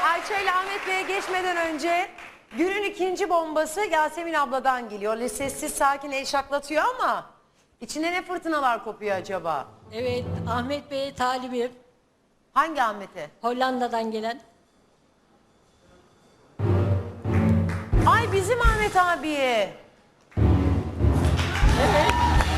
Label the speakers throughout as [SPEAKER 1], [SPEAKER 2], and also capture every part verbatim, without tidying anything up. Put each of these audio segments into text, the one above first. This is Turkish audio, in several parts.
[SPEAKER 1] Ayça ile Ahmet Bey'e geçmeden önce günün ikinci bombası Yasemin abladan geliyor. Öyle sessiz sakin el şaklatıyor ama içinde ne fırtınalar kopuyor acaba?
[SPEAKER 2] Evet, Ahmet Bey'e talibim.
[SPEAKER 1] Hangi Ahmet'e?
[SPEAKER 2] Hollanda'dan gelen.
[SPEAKER 1] Ay bizim Ahmet abiye.
[SPEAKER 2] Evet.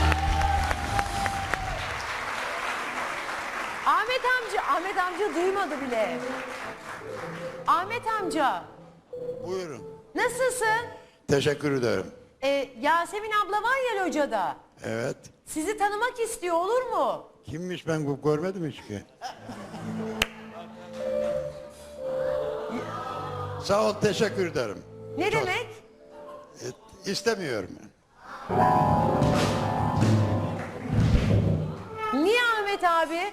[SPEAKER 1] Ahmet amca, Ahmet amca duymadı bile. Ahmet amca,
[SPEAKER 3] Buyurun.
[SPEAKER 1] nasılsın?
[SPEAKER 3] Teşekkür ederim.
[SPEAKER 1] Ee, Yasemin abla var ya locada.
[SPEAKER 3] Evet.
[SPEAKER 1] Sizi tanımak istiyor, olur mu?
[SPEAKER 3] Kimmiş ben bu görmedim hiç ki. Sağ ol, teşekkür ederim.
[SPEAKER 1] Ne
[SPEAKER 3] Çok.
[SPEAKER 1] demek?
[SPEAKER 3] E, istemiyorum.
[SPEAKER 1] Niye Ahmet abi?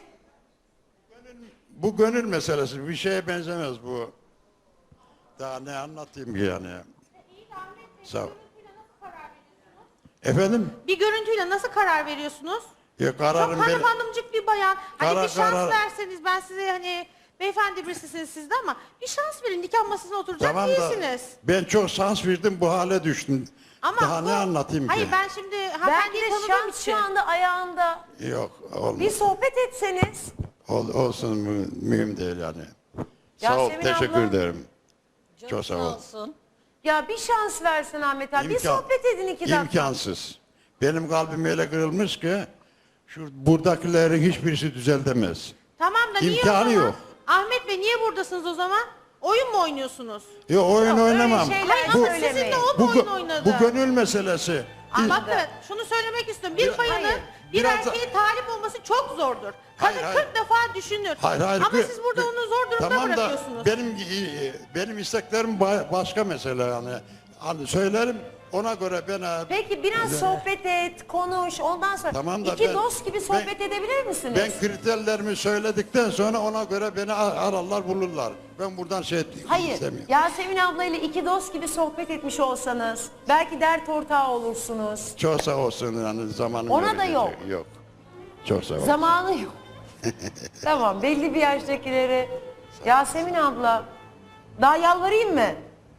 [SPEAKER 3] Bu gönül meselesi, bir şeye benzemez bu. Daha ne anlatayım ki yani. Sağ ol. Efendim?
[SPEAKER 4] Bir görüntüyle nasıl karar veriyorsunuz?
[SPEAKER 3] Ya kararım
[SPEAKER 4] Çok hanım
[SPEAKER 3] benim.
[SPEAKER 4] hanımcık bir bayan. Hani
[SPEAKER 3] Karar-
[SPEAKER 4] bir şans
[SPEAKER 3] karar-
[SPEAKER 4] verseniz, ben size hani beyefendi birisisiniz siz de ama bir şans verin, nikah masasına oturacak
[SPEAKER 3] Tamam da
[SPEAKER 4] değilsiniz.
[SPEAKER 3] ben çok şans verdim, bu hale düştüm.
[SPEAKER 4] Ama
[SPEAKER 3] Daha
[SPEAKER 4] bu-
[SPEAKER 3] ne anlatayım
[SPEAKER 4] Hayır
[SPEAKER 3] ki?
[SPEAKER 4] ben şimdi
[SPEAKER 1] Belki
[SPEAKER 4] hanımefendiyi
[SPEAKER 1] de
[SPEAKER 4] tanıdığım
[SPEAKER 1] şans
[SPEAKER 4] için.
[SPEAKER 1] şu anda ayağında.
[SPEAKER 3] Yok, olmaz.
[SPEAKER 1] Bir sohbet etseniz.
[SPEAKER 3] Ol, olsun, mü- mühim değil yani. Sağ ol,
[SPEAKER 1] Yasemin
[SPEAKER 3] teşekkür
[SPEAKER 1] abla.
[SPEAKER 3] ederim.
[SPEAKER 2] Çok,
[SPEAKER 3] Çok sağ ol.
[SPEAKER 2] olsun.
[SPEAKER 1] Ya bir şans versin Ahmet abi. bir
[SPEAKER 3] İmkan-
[SPEAKER 1] sohbet edin iki dakika.
[SPEAKER 3] İmkansız. Benim kalbim öyle kırılmış ki şu buradakilerin hiçbirisi düzeltemez.
[SPEAKER 4] Tamam da niye
[SPEAKER 3] İmkanı
[SPEAKER 4] o zaman?
[SPEAKER 3] yok.
[SPEAKER 4] Ahmet Bey niye buradasınız o zaman? Oyun mu oynuyorsunuz?
[SPEAKER 3] Yok, oyun
[SPEAKER 1] Yok, öyle
[SPEAKER 3] oynamam.
[SPEAKER 1] şeyler
[SPEAKER 4] Hayır
[SPEAKER 3] bu,
[SPEAKER 4] ama sizinle o
[SPEAKER 3] bu,
[SPEAKER 4] mu oyun
[SPEAKER 3] bu,
[SPEAKER 4] oynadı?
[SPEAKER 3] bu gönül meselesi.
[SPEAKER 4] Aa, bakın şunu söylemek istiyorum. Bir
[SPEAKER 3] Bir-
[SPEAKER 4] bayanın
[SPEAKER 1] Hayır.
[SPEAKER 4] bir
[SPEAKER 3] Biraz da-
[SPEAKER 4] erkeğe talip olması çok zordur. Kadın
[SPEAKER 3] Hayır, hayır.
[SPEAKER 4] kırk defa düşünür.
[SPEAKER 3] Hayır, hayır.
[SPEAKER 4] Ama
[SPEAKER 3] bir-
[SPEAKER 4] siz burada
[SPEAKER 3] bir-
[SPEAKER 4] onu zor durumda
[SPEAKER 3] tamam
[SPEAKER 4] bırakıyorsunuz.
[SPEAKER 3] da benim benim isteklerim ba- başka mesele yani. Hani söylerim ona göre ben
[SPEAKER 1] Peki biraz sohbet et, konuş. Ondan sonra
[SPEAKER 3] Tamam da
[SPEAKER 1] iki
[SPEAKER 3] ben-
[SPEAKER 1] dost gibi sohbet
[SPEAKER 3] ben-
[SPEAKER 1] edebilir misiniz?
[SPEAKER 3] ben kriterlerimi söyledikten sonra ona göre beni ar- ararlar bulurlar. Ben buradan şey
[SPEAKER 1] Hayır.
[SPEAKER 3] istemiyorum.
[SPEAKER 1] Yasemin ablayla iki dost gibi sohbet etmiş olsanız belki dert ortağı olursunuz.
[SPEAKER 3] Çok sağ olsun yani zamanım
[SPEAKER 1] Ona
[SPEAKER 3] öyle
[SPEAKER 1] da yok.
[SPEAKER 3] geçiyor. Yok. Çok sağ ol.
[SPEAKER 1] Zamanı yok. Tamam, belli bir yaştakileri. Yasemin abla, daha yalvarayım mı?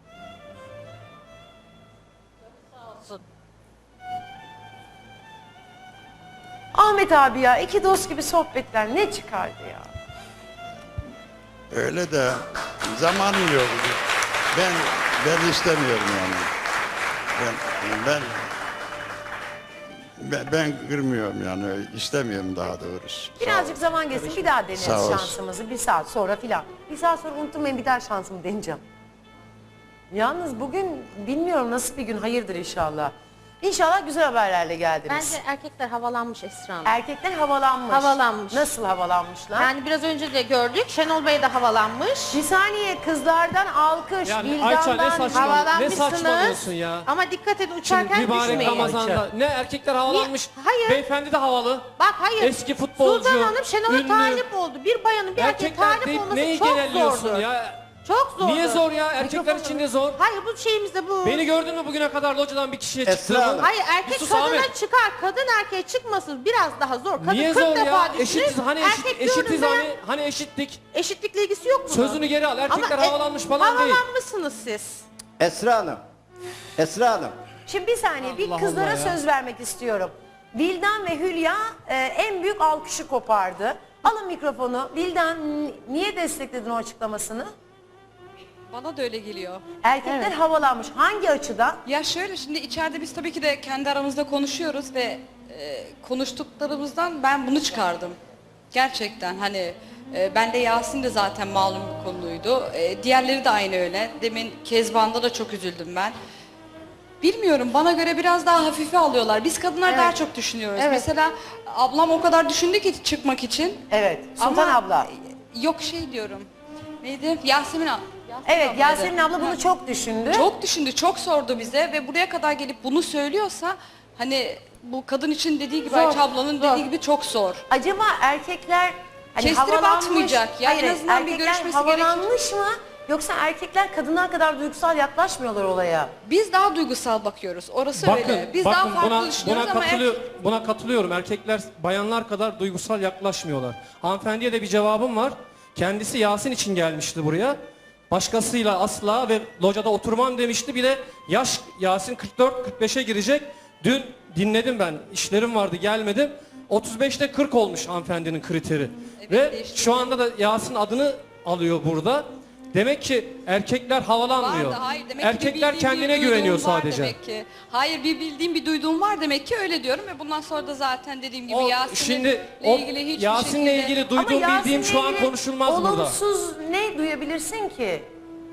[SPEAKER 2] Olsun.
[SPEAKER 1] Ahmet abi ya, iki dost gibi sohbetler ne çıkardı ya?
[SPEAKER 3] Öyle de zamanım yok. Ben ben istemiyorum yani. Ben ben ben, ben kırmıyorum yani istemiyorum daha doğrusu.
[SPEAKER 1] Birazcık zaman geçsin, bir daha deneriz
[SPEAKER 3] Sağ ol.
[SPEAKER 1] şansımızı bir saat sonra filan. Bir saat sonra unutmayın, bir daha şansımı deneyeceğim. Yalnız bugün bilmiyorum nasıl bir gün, hayırdır inşallah. İnşallah güzel haberlerle geldiniz.
[SPEAKER 4] Bence erkekler havalanmış Esra Hanım.
[SPEAKER 1] Erkekler havalanmış.
[SPEAKER 4] Havalanmış.
[SPEAKER 1] Nasıl havalanmışlar?
[SPEAKER 4] Yani biraz önce de gördük. Şenol Bey de havalanmış.
[SPEAKER 1] Bir saniye, kızlardan alkış,
[SPEAKER 5] Yani Ayça ne
[SPEAKER 1] Vildan'dan...
[SPEAKER 5] saçma-
[SPEAKER 4] Havalanmışsınız.
[SPEAKER 5] Ne saçmalıyorsun ya?
[SPEAKER 4] Ama dikkat edin,
[SPEAKER 5] Şimdi
[SPEAKER 4] uçarken
[SPEAKER 5] mübarek
[SPEAKER 4] düşmeyin.
[SPEAKER 5] Ramazan'da ne erkekler havalanmış,
[SPEAKER 4] Niye? Hayır.
[SPEAKER 5] beyefendi de havalı.
[SPEAKER 4] Bak hayır.
[SPEAKER 5] Eski futbolcu,
[SPEAKER 4] Sultan Hanım Şenol'a
[SPEAKER 5] ünlü.
[SPEAKER 4] talip oldu. Bir bayanın bir erkeğe
[SPEAKER 5] Erkekler
[SPEAKER 4] talip
[SPEAKER 5] deyip
[SPEAKER 4] olması
[SPEAKER 5] neyi
[SPEAKER 4] çok
[SPEAKER 5] genelliyorsun
[SPEAKER 4] zordur.
[SPEAKER 5] ya?
[SPEAKER 4] Çok zordur.
[SPEAKER 5] Niye zor ya? Erkekler için de zor.
[SPEAKER 4] Hayır bu şeyimizde bu.
[SPEAKER 5] Beni gördün mü bugüne kadar locadan bir kişiye
[SPEAKER 6] Esra
[SPEAKER 5] çıktığımı?
[SPEAKER 6] Hanım.
[SPEAKER 4] Hayır erkek
[SPEAKER 5] Yusuf
[SPEAKER 4] kadına
[SPEAKER 5] Ahmet.
[SPEAKER 4] çıkar. Kadın erkeğe çıkmasın biraz daha zor. Kadın
[SPEAKER 5] Niye
[SPEAKER 4] kırk
[SPEAKER 5] zor
[SPEAKER 4] defa
[SPEAKER 5] ya?
[SPEAKER 4] düşünür.
[SPEAKER 5] Eşitiz hani eşit,
[SPEAKER 4] erkek
[SPEAKER 5] eşitiz
[SPEAKER 4] gördüğünde
[SPEAKER 5] hani hani eşittik.
[SPEAKER 4] eşitlikle ilgisi yok mu?
[SPEAKER 5] Sözünü geri al. Erkekler
[SPEAKER 4] Ama, e,
[SPEAKER 5] havalanmış falan değil.
[SPEAKER 4] Havalanmışsınız siz.
[SPEAKER 6] Esra Hanım. Esra Hanım.
[SPEAKER 1] Şimdi bir saniye, bir
[SPEAKER 5] Allah
[SPEAKER 1] kızlara
[SPEAKER 5] Allah ya.
[SPEAKER 1] söz vermek istiyorum. Vildan ve Hülya e, en büyük alkışı kopardı. Alın mikrofonu. Vildan, n- niye destekledin o açıklamasını?
[SPEAKER 7] Bana da öyle geliyor.
[SPEAKER 1] Erkekler havalanmış. Hangi açıdan?
[SPEAKER 7] Ya şöyle, şimdi içeride biz tabii ki de kendi aramızda konuşuyoruz ve e, konuştuklarımızdan ben bunu çıkardım. Gerçekten hani e, ben de Yasin de zaten malum bir konuydu. E, diğerleri de aynı öyle. Demin Kezban'da da çok üzüldüm ben. Bilmiyorum, bana göre biraz daha hafife alıyorlar. Biz kadınlar daha çok düşünüyoruz.
[SPEAKER 1] Evet.
[SPEAKER 7] Mesela ablam o kadar düşündü ki çıkmak için.
[SPEAKER 1] Evet, Sultan
[SPEAKER 7] Ama,
[SPEAKER 1] abla.
[SPEAKER 7] e, Yok şey diyorum. Neydi? Yasemin abla.
[SPEAKER 1] Evet,
[SPEAKER 7] ablaydı.
[SPEAKER 1] Yasemin abla bunu
[SPEAKER 7] Ha.
[SPEAKER 1] çok düşündü.
[SPEAKER 7] Çok düşündü, çok sordu bize ve buraya kadar gelip bunu söylüyorsa hani bu kadın için dediği gibi,
[SPEAKER 1] Zor,
[SPEAKER 7] Ayça ablanın
[SPEAKER 1] zor.
[SPEAKER 7] dediği gibi çok zor.
[SPEAKER 1] Acaba erkekler hani
[SPEAKER 7] Kestirip
[SPEAKER 1] havalanmış,
[SPEAKER 7] atmayacak ya, en
[SPEAKER 1] hayır,
[SPEAKER 7] azından bir
[SPEAKER 1] erkekler
[SPEAKER 7] görüşmesi
[SPEAKER 1] havalanmış mı? Yoksa erkekler kadınlar kadar duygusal yaklaşmıyorlar olaya.
[SPEAKER 7] Biz daha duygusal bakıyoruz, orası
[SPEAKER 5] Bakın,
[SPEAKER 7] öyle. Biz
[SPEAKER 5] bakın
[SPEAKER 7] daha farklı
[SPEAKER 5] buna,
[SPEAKER 7] düşünüyoruz
[SPEAKER 5] buna,
[SPEAKER 7] ama er-
[SPEAKER 5] katılıyor, buna katılıyorum. Erkekler bayanlar kadar duygusal yaklaşmıyorlar. Hanımefendiye de bir cevabım var. Kendisi Yasin için gelmişti buraya. Başkasıyla asla ve locada oturmam demişti. Bir de yaş Yasin kırk dört kırk beşe girecek. Dün dinledim ben. İşlerim vardı gelmedim. otuz beşte kırk olmuş hanımefendinin kriteri.
[SPEAKER 7] Evet,
[SPEAKER 5] ve
[SPEAKER 7] değişti.
[SPEAKER 5] şu anda da Yasin adını alıyor burada. Demek ki erkekler havalanmıyor.
[SPEAKER 7] Vardı, hayır, demek ki bir
[SPEAKER 5] Erkekler
[SPEAKER 7] bildiğim,
[SPEAKER 5] kendine
[SPEAKER 7] bir
[SPEAKER 5] güveniyor
[SPEAKER 7] duyduğum var
[SPEAKER 5] sadece.
[SPEAKER 7] Demek ki. Hayır, bir bildiğim bir duyduğum var demek ki öyle diyorum ve bundan sonra da zaten dediğim gibi
[SPEAKER 5] O,
[SPEAKER 7] Yasin'le
[SPEAKER 5] şimdi o
[SPEAKER 7] ilgili hiçbir
[SPEAKER 5] Yasin'le
[SPEAKER 7] şekilde...
[SPEAKER 5] ilgili duyduğum
[SPEAKER 1] Ama
[SPEAKER 5] bildiğim şu an
[SPEAKER 1] Yasin'le ilgili
[SPEAKER 5] konuşulmaz burada.
[SPEAKER 1] olumsuz ne duyabilirsin ki?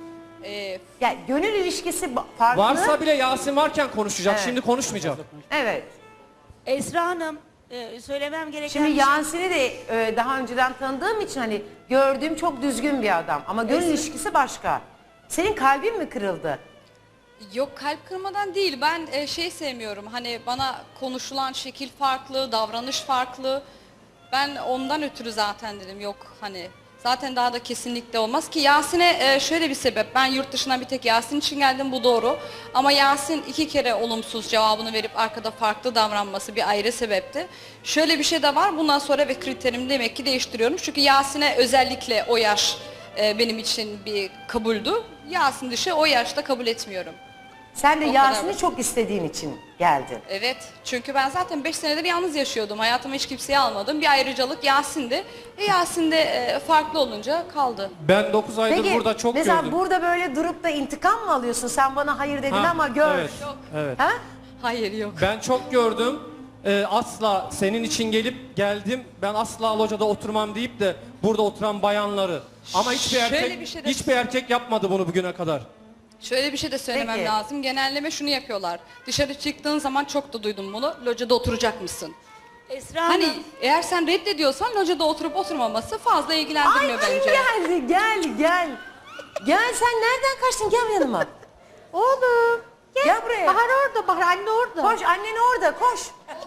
[SPEAKER 7] Ee,
[SPEAKER 1] Yani gönül ilişkisi ba- farklı.
[SPEAKER 5] Varsa bile Yasin varken konuşacak.
[SPEAKER 1] Evet.
[SPEAKER 5] Şimdi konuşmayacak.
[SPEAKER 1] Evet.
[SPEAKER 8] Esra Hanım, e, söylemem gereken
[SPEAKER 1] Şimdi
[SPEAKER 8] bir şey-
[SPEAKER 1] Yasin'i de e, daha önceden tanıdığım için hani gördüğüm çok düzgün bir adam. Ama gönül ilişkisi başka. Senin kalbin mi kırıldı?
[SPEAKER 7] Yok, kalp kırmadan değil. Ben e, şey sevmiyorum. Hani bana konuşulan şekil farklı, davranış farklı. Ben ondan ötürü zaten dedim yok hani zaten daha da kesinlikle olmaz ki Yasin'e e, şöyle bir sebep. Ben yurt dışına bir tek Yasin için geldim, bu doğru. Ama Yasin iki kere olumsuz cevabını verip arkada farklı davranması bir ayrı sebepti. Şöyle bir şey de var. Bundan sonra ve kriterimi demek ki değiştiriyorum. Çünkü Yasin'e özellikle o yaş e, benim için bir kabuldü. Yasin dışı o yaşta kabul etmiyorum.
[SPEAKER 1] Sen de
[SPEAKER 7] O kadar
[SPEAKER 1] Yasin'i
[SPEAKER 7] basit.
[SPEAKER 1] çok istediğin için geldin.
[SPEAKER 7] Evet, çünkü ben zaten beş senedir yalnız yaşıyordum. Hayatıma hiç kimseyi almadım. Bir ayrıcalık Yasin'di. E Yasin de e, farklı olunca kaldı.
[SPEAKER 5] Ben dokuz aydır
[SPEAKER 1] Peki
[SPEAKER 5] burada çok
[SPEAKER 1] mesela
[SPEAKER 5] gördüm.
[SPEAKER 1] burada böyle durup da intikam mı alıyorsun? Sen bana hayır dedin
[SPEAKER 5] Ha,
[SPEAKER 1] ama gör.
[SPEAKER 5] Evet, evet.
[SPEAKER 1] Ha?
[SPEAKER 7] Hayır, yok.
[SPEAKER 5] Ben çok gördüm. Ee, asla senin için gelip geldim. Ben asla locada oturmam deyip de burada oturan bayanları. Ama hiçbir
[SPEAKER 7] Şöyle
[SPEAKER 5] erkek
[SPEAKER 7] bir şey de-
[SPEAKER 5] hiçbir erkek yapmadı bunu bugüne kadar.
[SPEAKER 7] Şöyle bir şey de söylemem
[SPEAKER 1] Peki.
[SPEAKER 7] lazım. Genelleme şunu yapıyorlar. Dışarı çıktığın zaman çok da duydum bunu. Locada oturacak mısın?
[SPEAKER 8] Esra Hanım,
[SPEAKER 7] Hani eğer sen reddediyorsan locada oturup oturmaması fazla
[SPEAKER 1] Ay
[SPEAKER 7] ilgilendirmiyor
[SPEAKER 1] kim
[SPEAKER 7] bence.
[SPEAKER 1] geldi? Gel gel. Gel sen nereden kaçtın? Gel yanıma.
[SPEAKER 4] Oğlum. Gel.
[SPEAKER 1] Gel buraya.
[SPEAKER 4] Bahar orada, Bahar anne orada.
[SPEAKER 1] Koş annen orada koş.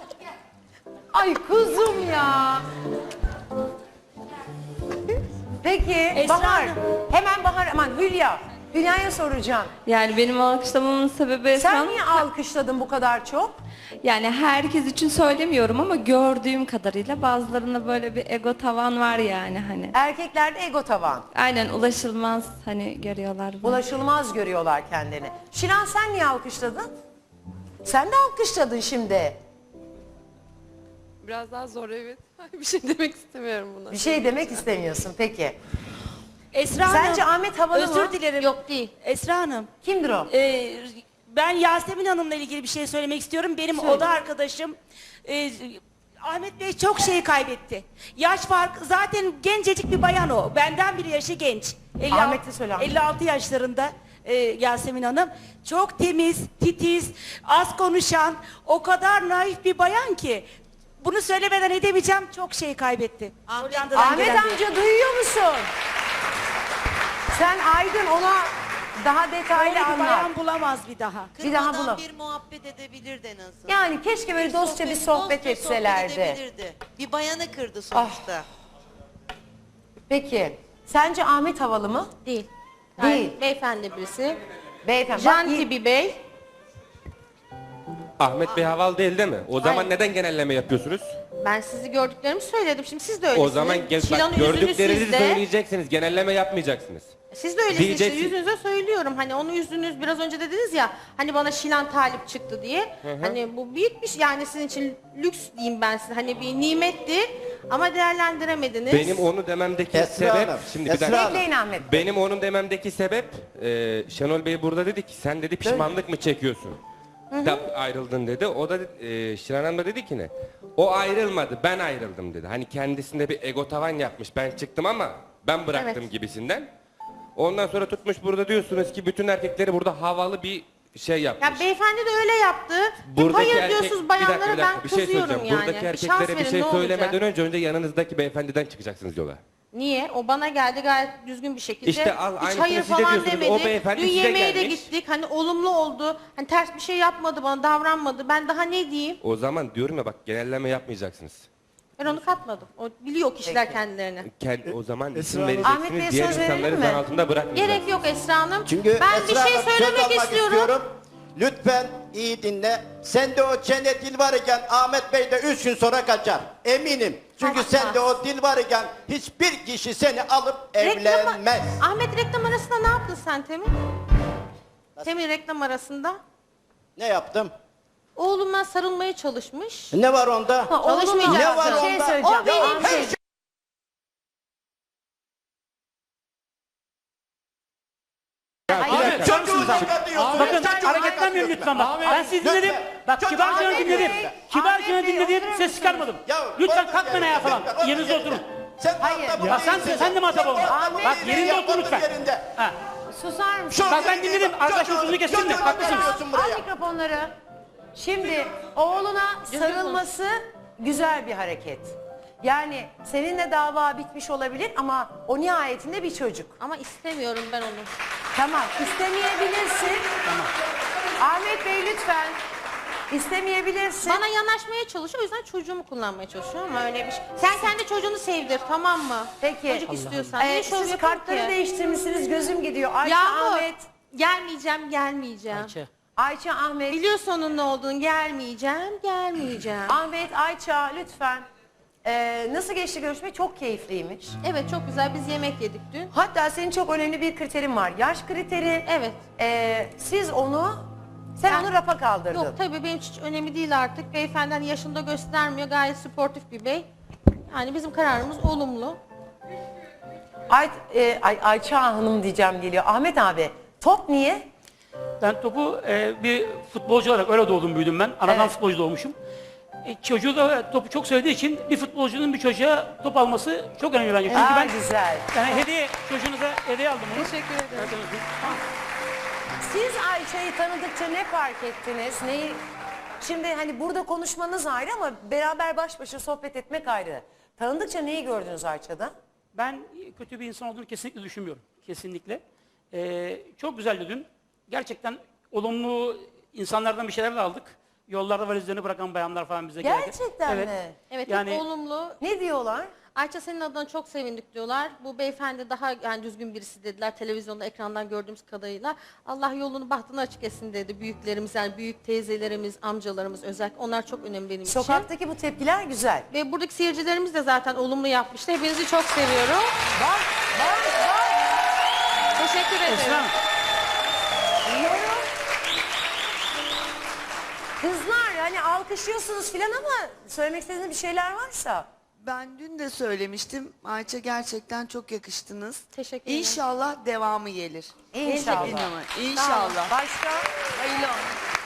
[SPEAKER 1] Ay kuzum ya. Peki
[SPEAKER 8] Esra
[SPEAKER 1] Bahar.
[SPEAKER 8] Hanım.
[SPEAKER 1] Hemen Bahar aman Hülya. Hülya'ya soracağım.
[SPEAKER 9] Yani benim alkışlamamın sebebi Esra
[SPEAKER 1] Sen
[SPEAKER 9] Hanım,
[SPEAKER 1] niye alkışladın bu kadar çok?
[SPEAKER 9] yani herkes için söylemiyorum ama gördüğüm kadarıyla bazılarında böyle bir ego tavan var yani hani.
[SPEAKER 1] Erkeklerde ego tavan.
[SPEAKER 9] Aynen ulaşılmaz hani görüyorlar bunu.
[SPEAKER 1] Ulaşılmaz görüyorlar kendini. Şilan sen niye alkışladın? Sen de alkışladın şimdi.
[SPEAKER 10] Biraz daha zor, evet. Bir şey demek istemiyorum buna.
[SPEAKER 1] Bir şey demek istemiyorsun peki.
[SPEAKER 8] Esra Hanım,
[SPEAKER 1] Sence Ahmet havalı
[SPEAKER 8] özür
[SPEAKER 1] mı?
[SPEAKER 8] dilerim.
[SPEAKER 4] Yok değil.
[SPEAKER 8] Esra Hanım,
[SPEAKER 1] Kimdir o?
[SPEAKER 8] e, ben Yasemin Hanım'la ilgili bir şey söylemek istiyorum. Benim
[SPEAKER 1] Söyle.
[SPEAKER 8] oda arkadaşım e, Ahmet Bey çok şey kaybetti. Yaş farkı, zaten gencecik bir bayan o. Benden bir yaşı genç. elli altı
[SPEAKER 1] Ahmet'i söyle, Ahmet.
[SPEAKER 8] elli altı yaşlarında e, Yasemin Hanım. Çok temiz, titiz, az konuşan, o kadar naif bir bayan ki. Bunu söylemeden edemeyeceğim, çok şey kaybetti. Hollanda'dan
[SPEAKER 1] Ahmet
[SPEAKER 8] gelen bir-
[SPEAKER 1] amca duyuyor musun? Sen Aydın ona daha detaylı
[SPEAKER 8] Öyle bir
[SPEAKER 1] anlat.
[SPEAKER 8] bayan bulamaz bir daha.
[SPEAKER 1] Bir daha
[SPEAKER 11] Kırmadan
[SPEAKER 1] bulalım.
[SPEAKER 11] bir muhabbet edebilirdi en azından.
[SPEAKER 1] Yani keşke böyle dostça bir sohbet
[SPEAKER 11] dostça
[SPEAKER 1] etselerdi.
[SPEAKER 11] sohbet edebilirdi. Bir bayanı kırdı sonuçta.
[SPEAKER 1] Peki sence Ahmet havalı mı?
[SPEAKER 4] Değil.
[SPEAKER 1] Değil.
[SPEAKER 4] Beyefendi birisi.
[SPEAKER 1] Beyefendi. bak,
[SPEAKER 4] Janti bir bey.
[SPEAKER 12] Ahmet Bey havalı değil değil mi? O zaman
[SPEAKER 4] Hayır.
[SPEAKER 12] neden genelleme yapıyorsunuz?
[SPEAKER 4] Ben sizi gördüklerimi söyledim. Şimdi siz de öylesiniz.
[SPEAKER 12] O zaman gel,
[SPEAKER 4] Şilan'ın
[SPEAKER 12] bak,
[SPEAKER 4] yüzünü
[SPEAKER 12] gördüklerinizi
[SPEAKER 4] sizde.
[SPEAKER 12] söyleyeceksiniz. Genelleme yapmayacaksınız.
[SPEAKER 4] Siz de öylesiniz işte,
[SPEAKER 12] Diyeceksin.
[SPEAKER 4] yüzünüze söylüyorum. Hani onu yüzünüz biraz önce dediniz ya hani bana Şilan talip çıktı diye. Hani bu büyük bir şey yani sizin için lüks diyeyim ben size. Hani bir nimetti ama değerlendiremediniz.
[SPEAKER 12] Benim onu dememdeki
[SPEAKER 6] Esra
[SPEAKER 12] sebep...
[SPEAKER 6] Hanım,
[SPEAKER 12] Şimdi bir
[SPEAKER 6] Esra
[SPEAKER 12] dakika.
[SPEAKER 6] Hanım.
[SPEAKER 1] Bekleyin Ahmet Bey.
[SPEAKER 12] Benim onun dememdeki sebep... E, Şenol Bey burada dedi ki sen dedi pişmanlık mı çekiyorsun? Da ayrıldın dedi. O da e, Şilan Hanım da dedi ki ne? O ayrılmadı, ben ayrıldım dedi. Hani kendisinde bir ego tavan yapmış. Ben çıktım ama ben bıraktım
[SPEAKER 4] Evet.
[SPEAKER 12] gibisinden. Ondan sonra tutmuş burada diyorsunuz ki bütün erkekleri burada havalı bir şey yapmış.
[SPEAKER 4] Ya beyefendi de öyle yaptı. Hep
[SPEAKER 12] Buradaki
[SPEAKER 4] hayır
[SPEAKER 12] erkek-
[SPEAKER 4] diyorsunuz
[SPEAKER 12] bir
[SPEAKER 4] bayanlara
[SPEAKER 12] dakika, bir
[SPEAKER 4] ben
[SPEAKER 12] dakika, bir şey
[SPEAKER 4] kızıyorum
[SPEAKER 12] söyleyeceğim.
[SPEAKER 4] yani.
[SPEAKER 12] Buradaki
[SPEAKER 4] Bir şans
[SPEAKER 12] erkeklere bir
[SPEAKER 4] verin,
[SPEAKER 12] şey
[SPEAKER 4] ne
[SPEAKER 12] söylemeden
[SPEAKER 4] olacak?
[SPEAKER 12] önce önce yanınızdaki beyefendiden çıkacaksınız yola.
[SPEAKER 4] Niye? O bana geldi gayet düzgün bir şekilde.
[SPEAKER 12] İşte al,
[SPEAKER 4] Hiç
[SPEAKER 12] aynısını
[SPEAKER 4] hayır
[SPEAKER 12] siz de
[SPEAKER 4] falan
[SPEAKER 12] diyorsunuz.
[SPEAKER 4] demedi.
[SPEAKER 12] O beyefendi
[SPEAKER 4] Dün
[SPEAKER 12] size
[SPEAKER 4] yemeğe de
[SPEAKER 12] gelmiş.
[SPEAKER 4] gittik. Hani olumlu oldu. Hani ters bir şey yapmadı bana, davranmadı. Ben daha ne diyeyim?
[SPEAKER 12] O zaman diyorum ya bak genelleme yapmayacaksınız.
[SPEAKER 4] Ben onu katmadım. O biliyor kişiler kendilerini.
[SPEAKER 12] Kend, o zaman isim
[SPEAKER 1] Ahmet Bey'e
[SPEAKER 12] vereceksiniz. Diğer
[SPEAKER 1] söz verelim
[SPEAKER 12] insanları
[SPEAKER 1] mi?
[SPEAKER 12] zan altında bırakmayacaksınız.
[SPEAKER 4] Gerek yok Esra Hanım.
[SPEAKER 6] Çünkü
[SPEAKER 4] ben
[SPEAKER 6] Esra
[SPEAKER 4] bir şey
[SPEAKER 6] Hanım, söz
[SPEAKER 4] söylemek
[SPEAKER 6] almak
[SPEAKER 4] istiyorum.
[SPEAKER 6] Lütfen iyi dinle. Sen de o çene dil var iken Ahmet Bey de üç gün sonra kaçar. Eminim. Çünkü
[SPEAKER 4] Asla.
[SPEAKER 6] sende o dil var iken hiçbir kişi seni alıp
[SPEAKER 4] Reklama-
[SPEAKER 6] evlenmez.
[SPEAKER 4] Ahmet reklam arasında ne yaptın sen Temin? Temin reklam arasında.
[SPEAKER 6] Ne yaptım?
[SPEAKER 4] Oğluma sarılmaya çalışmış.
[SPEAKER 6] Ne var onda?
[SPEAKER 4] Çalışmayacaksın.
[SPEAKER 6] Ne var
[SPEAKER 1] Bir şey
[SPEAKER 6] onda?
[SPEAKER 1] söyleyeceğim.
[SPEAKER 4] O benim
[SPEAKER 6] Ya, her
[SPEAKER 4] şey.
[SPEAKER 5] Abi,
[SPEAKER 6] Çocuğu ne diyorsun?
[SPEAKER 13] Bakın
[SPEAKER 6] Çocuğu
[SPEAKER 13] hareketlenmeyin
[SPEAKER 6] ne
[SPEAKER 13] lütfen bak.
[SPEAKER 5] Ahmet,
[SPEAKER 13] Ben sizi dinledim. Bak
[SPEAKER 6] Çocuğu-
[SPEAKER 13] kibarca
[SPEAKER 6] Ahmet
[SPEAKER 13] dinledim.
[SPEAKER 1] Bey,
[SPEAKER 13] Kibarca
[SPEAKER 1] Ahmet Bey,
[SPEAKER 13] dinledim.
[SPEAKER 1] oturur
[SPEAKER 13] Ses
[SPEAKER 1] musunuz?
[SPEAKER 13] çıkarmadım.
[SPEAKER 6] Ya,
[SPEAKER 13] Lütfen
[SPEAKER 6] otur
[SPEAKER 13] kalkmayın
[SPEAKER 6] yerine,
[SPEAKER 13] ayağa falan.
[SPEAKER 6] lütfen, otur
[SPEAKER 13] Yerinize
[SPEAKER 6] yerine.
[SPEAKER 13] oturun.
[SPEAKER 6] Sen
[SPEAKER 1] Hayır.
[SPEAKER 6] muhatap
[SPEAKER 13] Ya sen
[SPEAKER 6] değilsin.
[SPEAKER 13] sen de muhatap olma.
[SPEAKER 1] Ahmet
[SPEAKER 13] Bak
[SPEAKER 1] Bey,
[SPEAKER 13] yerinde otur lütfen.
[SPEAKER 6] Yerinde.
[SPEAKER 13] Ha.
[SPEAKER 1] Susar mısın?
[SPEAKER 6] Şu
[SPEAKER 13] Bak ben
[SPEAKER 6] yerine
[SPEAKER 13] dinledim.
[SPEAKER 6] bak.
[SPEAKER 13] Arkadaşın
[SPEAKER 6] Çocuğu-
[SPEAKER 13] sözünü kestim de.
[SPEAKER 6] çocuğu
[SPEAKER 13] Haklısınız.
[SPEAKER 6] getiriyorsun
[SPEAKER 1] Al
[SPEAKER 6] buraya.
[SPEAKER 1] mikrofonları. Şimdi oğluna sarılması güzel bir hareket. Yani seninle dava bitmiş olabilir ama o nihayetinde bir çocuk.
[SPEAKER 4] Ama istemiyorum ben onu.
[SPEAKER 1] Tamam, istemeyebilirsin.
[SPEAKER 13] Tamam.
[SPEAKER 1] Ahmet Bey lütfen. İstemeyebilirsin.
[SPEAKER 4] Bana yanaşmaya çalışıyor. O yüzden çocuğumu kullanmaya çalışıyor ama öyle bir şey. Sen kendi çocuğunu sevdir, tamam mı?
[SPEAKER 1] Peki.
[SPEAKER 4] Çocuk istiyorsan.
[SPEAKER 1] Ee,
[SPEAKER 4] Niye şov
[SPEAKER 1] siz
[SPEAKER 4] yapıyorsun
[SPEAKER 1] kartları
[SPEAKER 4] ki?
[SPEAKER 1] değiştirmişsiniz, gözüm gidiyor. Ayça,
[SPEAKER 4] Yağmur.
[SPEAKER 1] Ahmet.
[SPEAKER 4] Gelmeyeceğim, gelmeyeceğim.
[SPEAKER 13] Ayça.
[SPEAKER 1] Ayça, Ahmet.
[SPEAKER 4] Biliyorsun onun ne olduğunu. Gelmeyeceğim, gelmeyeceğim.
[SPEAKER 1] Ahmet, Ayça lütfen. Ee, nasıl geçti görüşme? Çok keyifliymiş.
[SPEAKER 4] Evet, çok güzel. Biz yemek yedik dün.
[SPEAKER 1] Hatta senin çok önemli bir kriterin var. Yaş kriteri.
[SPEAKER 4] Evet.
[SPEAKER 1] Ee, siz onu, sen
[SPEAKER 4] Ben-
[SPEAKER 1] onu rafa kaldırdın.
[SPEAKER 4] Yok tabii benim hiç önemli değil artık. Beyefendi hani yaşında göstermiyor. Gayet sportif bir bey. Yani bizim kararımız olumlu.
[SPEAKER 1] Ay, e, Ay, Ayça Hanım diyeceğim geliyor. Ahmet abi, top niye?
[SPEAKER 13] Ben topu e, bir futbolcu olarak öyle doğdum büyüdüm ben. Anadan
[SPEAKER 1] Evet.
[SPEAKER 13] futbolcu doğmuşum. E, çocuğu da topu çok sevdiği için bir futbolcunun bir çocuğa top alması çok önemli bence. Çünkü
[SPEAKER 1] Aa,
[SPEAKER 13] ben
[SPEAKER 1] güzel.
[SPEAKER 13] yani hediye çocuğunuza hediye aldım bunu.
[SPEAKER 4] Teşekkür ederim.
[SPEAKER 1] Siz Ayça'yı tanıdıkça ne fark ettiniz? Neyi? Şimdi hani burada konuşmanız ayrı ama beraber baş başa sohbet etmek ayrı. Tanıdıkça neyi gördünüz Ayça'da?
[SPEAKER 13] Ben kötü bir insan olduğunu kesinlikle düşünmüyorum. Kesinlikle. Ee, çok güzeldi dün. Gerçekten olumlu insanlardan bir şeyler de aldık. Yollarda valizlerini bırakan bayanlar falan bize geldi.
[SPEAKER 1] Gerçekten
[SPEAKER 13] Evet.
[SPEAKER 1] mi?
[SPEAKER 4] Evet,
[SPEAKER 13] Yani-
[SPEAKER 4] hep olumlu.
[SPEAKER 1] Ne diyorlar?
[SPEAKER 4] Ayça senin adına çok sevindik diyorlar. Bu beyefendi daha yani düzgün birisi dediler televizyonda ekrandan gördüğümüz kadarıyla. Allah yolunu bahtını açık etsin dedi büyüklerimiz yani büyük teyzelerimiz, amcalarımız özellikle onlar çok önemli benim için.
[SPEAKER 1] Sokaktaki bu tepkiler güzel.
[SPEAKER 4] Ve buradaki seyircilerimiz de zaten olumlu yapmıştı. Hepinizi çok seviyorum.
[SPEAKER 1] Bak, bak, bak.
[SPEAKER 4] Teşekkür ederim.
[SPEAKER 13] Esra,
[SPEAKER 1] Diyorum. Kızlar hani alkışlıyorsunuz filan ama söylemek istediğiniz bir şeyler varsa.
[SPEAKER 14] Ben dün de söylemiştim. Ayça gerçekten çok yakıştınız.
[SPEAKER 4] Teşekkür ederim.
[SPEAKER 14] İnşallah devamı gelir.
[SPEAKER 1] İnşallah.
[SPEAKER 14] İnanın, İnşallah.
[SPEAKER 1] Başka?
[SPEAKER 14] Hayırlı olsun.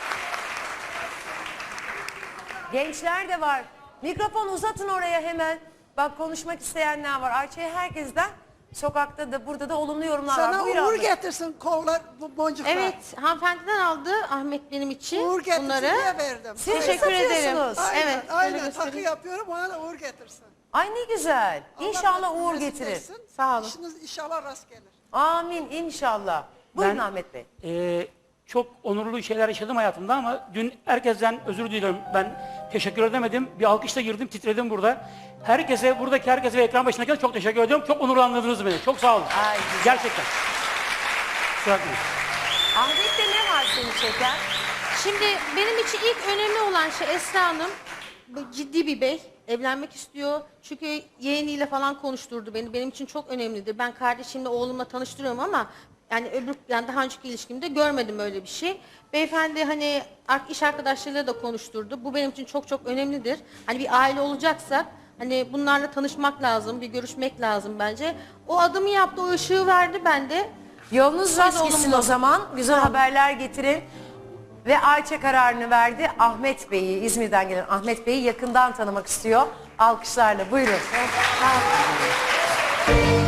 [SPEAKER 1] Gençler de var. Mikrofon uzatın oraya hemen. Bak konuşmak isteyenler var. Ayça'ya herkesten sokakta da burada da olumlu yorumlar var.
[SPEAKER 15] Sana
[SPEAKER 1] Buyur
[SPEAKER 15] uğur
[SPEAKER 1] abla.
[SPEAKER 15] getirsin kollar bu boncuklar.
[SPEAKER 4] Evet, hanımefendiden aldı Ahmet benim için
[SPEAKER 15] Uğur getirsin
[SPEAKER 4] bunları.
[SPEAKER 15] diye verdim.
[SPEAKER 1] Siz mi
[SPEAKER 4] Teşekkür ederim.
[SPEAKER 1] satıyorsunuz?
[SPEAKER 15] Aynen,
[SPEAKER 4] Evet, şöyle
[SPEAKER 15] aynen. Takı
[SPEAKER 4] göstereyim.
[SPEAKER 15] yapıyorum ona da uğur getirsin.
[SPEAKER 1] Ay ne güzel. İnşallah
[SPEAKER 15] Allah
[SPEAKER 1] uğur
[SPEAKER 15] nasip
[SPEAKER 1] getirir.
[SPEAKER 15] etsin.
[SPEAKER 4] Sağ olun.
[SPEAKER 15] İşiniz inşallah rast gelir.
[SPEAKER 1] Amin inşallah. Buyurun
[SPEAKER 13] Ben-
[SPEAKER 1] Ahmet Bey.
[SPEAKER 13] e, çok onurlu şeyler yaşadım hayatımda ama dün herkesten özür diliyorum. Ben teşekkür edemedim. Bir alkışla girdim, titredim burada. Herkese, buradaki herkese ve ekran başındakilere çok teşekkür ediyorum. Çok onurlandırdınız beni. Çok sağ olun.
[SPEAKER 1] Ay, güzel.
[SPEAKER 13] Gerçekten. Kusura bakmayın.
[SPEAKER 1] Ahmet'te ne var seni çeken?
[SPEAKER 4] Şimdi benim için ilk önemli olan şey Esra Hanım bu ciddi bir bey. Evlenmek istiyor. Çünkü yeğeniyle falan konuşturdu beni. Benim için çok önemlidir. Ben kardeşimle oğlumla tanıştırıyorum ama yani öbür yani daha önceki ilişkimde görmedim öyle bir şey. Beyefendi hani ar- iş arkadaşlarıyla da konuşturdu. Bu benim için çok çok önemlidir. Hani bir aile olacaksa hani bunlarla tanışmak lazım, bir görüşmek lazım bence. O adımı yaptı, o ışığı verdi bende.
[SPEAKER 1] Yolunuz rast
[SPEAKER 4] Biz
[SPEAKER 1] gitsin
[SPEAKER 4] olumlu.
[SPEAKER 1] o zaman. Güzel haberler getirin. Ve Ayça kararını verdi. Ahmet Bey'i, İzmir'den gelen Ahmet Bey'i yakından tanımak istiyor. Alkışlarla buyurun.
[SPEAKER 4] Sağ olun.